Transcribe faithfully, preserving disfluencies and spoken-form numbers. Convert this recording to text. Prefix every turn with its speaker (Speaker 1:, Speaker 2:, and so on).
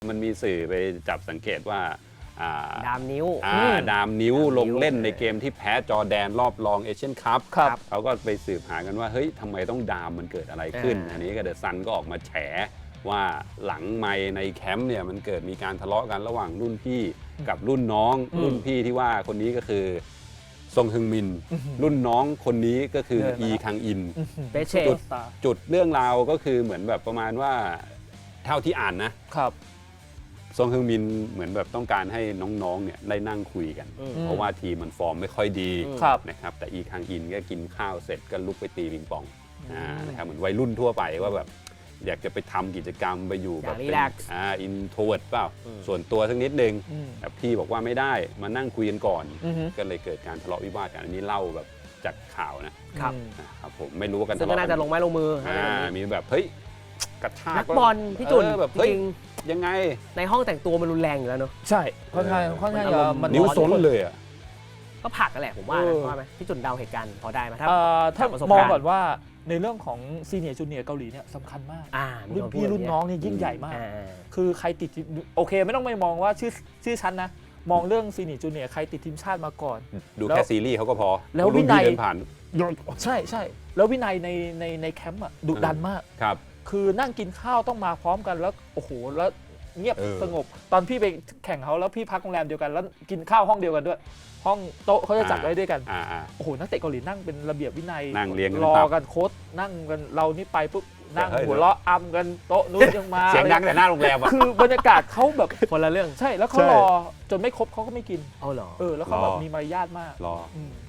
Speaker 1: มันมีสื่อไปจับสังเกตว่า
Speaker 2: ดามนิ้ว
Speaker 1: ดามนิ้วลงเล่นในเกมที่แพ้จอร์แดนรอบรองเอเชียนคัพเขาก็ไปสืบหากันว่าเฮ้ยทำไมต้องดามมันเกิดอะไรขึ้นอันนี้ก็เดอะซันก็ออกมาแฉว่าหลังไมค์ในแคมป์เนี่ยมันเกิดมีการทะเลาะกันระหว่างรุ่นพี่กับรุ่นน้องรุ่นพี่ที่ว่าคนนี้ก็คือซงฮึงมินรุ่นน้องคนนี้ก็คืออีคังอินจุดจุดเรื่องราวก็คือเหมือนแบบประมาณว่าเท่าที่อ่านนะครับซงฮึงมินเหมือนแบบต้องการให้น้องๆเนี่ยได้นั่งคุยกันเพราะว่าทีมมันฟอร์มไม่ค่อยดีนะครับแต่อีคังอินก็กินข้าวเสร็จก็ลุกไปตีปิงปองนะครับเหมือนวัยรุ่นทั่วไปว่าแบบอยากจะไปทำกิจกรรมไปอยู่แบบเป็นอ่าอินโทรเวิร์ตเปล่าส่วนตัวสักนิดนึงแต่พี่บอกว่าไม่ได้มานั่งคุยกันก่อนก็เลยเกิดการทะเลาะวิวาทกันอันนี้เล่าแบบจากข่าวนะครับครับผมไม่รู้ว่ากันทะเลาะกัน
Speaker 2: น่าจะลงไม้ลงมือ
Speaker 1: มีแบบเฮ้ยกระชาก
Speaker 2: นักบอลพี่จุน
Speaker 1: แบบจริงยังไง
Speaker 2: ในห้องแต่งตัวมันรุนแรงอยู่แล้วเนาะ
Speaker 3: ใช่ค่อนข้างค่อนข้างจะ
Speaker 1: มันนิ้วซ้นเลยอ่ะ
Speaker 2: ก็ผลักกันแหละผมว่าว่าไหมพี่จุนเดาเหตุการณ์พอได้ไหมถ้า
Speaker 3: ถ้ามองก่อนว่าในเรื่องของซีเนียร์จูเนียร์เกาหลีเนี่ยสำคัญมากรุ่นพี่รุ่นน้องเนี่ยยิ่งใหญ่มากคือใครติดโอเคไม่ต้องไปมองว่าชื่อชื่อชั้นนะมองเรื่องซีเนียร์จูเนียร์ใครติดทีมชาติมาก่อน
Speaker 1: ดูแค่ซีรีส์เขาก็พอ
Speaker 3: แล้ววินัย
Speaker 1: ผ่าน
Speaker 3: ใช่ใช่แล้ววินัยในในในแคมป์อ่ะดุดันมาก
Speaker 1: ครับ
Speaker 3: คือนั่งกินข้าวต้องมาพร้อมกันแล้วโอ้โหแล้วเงียบสงบตอนพี่ไปแข่งเขาแล้วพี่พักโรงแรมเดียวกันแล้วกินข้าวห้องเดียวกันด้วยห้องโต๊ะเขาจะจัดไว้ด้วยกันโอ้โหนักเตะเกาหลีนั่งเป็นระเบียบวินัย
Speaker 1: นั่งเรียง
Speaker 3: รอกันโค้ชนั่งกันเรานี่ไปปุ๊บนั่งหัวเราะอำกันโต๊ะนู้นยังมา
Speaker 1: เสียงดังแต่หน้าโรงแรมอ่ะ
Speaker 3: คือบรรยากาศเขาแบบ
Speaker 2: คนละเรื่อง
Speaker 3: ใช่แล้วเขารอจนไม่ครบเขาก็ไม่กิน
Speaker 2: เอาเหรอ
Speaker 3: เออแล้วเขาแบบมีมารยาทมาก
Speaker 1: รอ